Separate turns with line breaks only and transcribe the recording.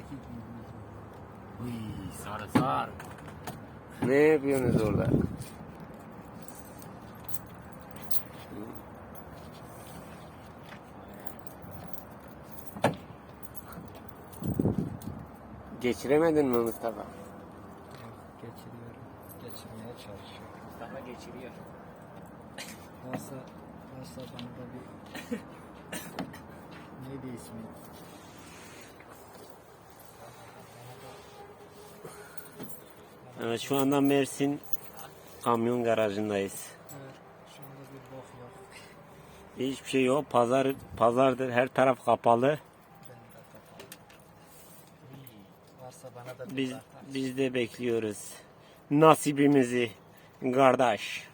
Uy, sarı sar.
Ne yapıyorsunuz orada? Geçiremedin mi Mustafa?
Geçiriyorum. Geçirmeye çalışıyorum.
Mustafa geçiriyor.
Varsa bana da bir neydi ismi?
Evet, şu anda Mersin kamyon garajındayız.
Evet, şu anda bir bok yok.
Hiçbir şey yok. Pazardır. Her taraf kapalı.
Ben de kapalı. Varsa bana da bir
Biz
atar.
biz de bekliyoruz nasibimizi kardeş.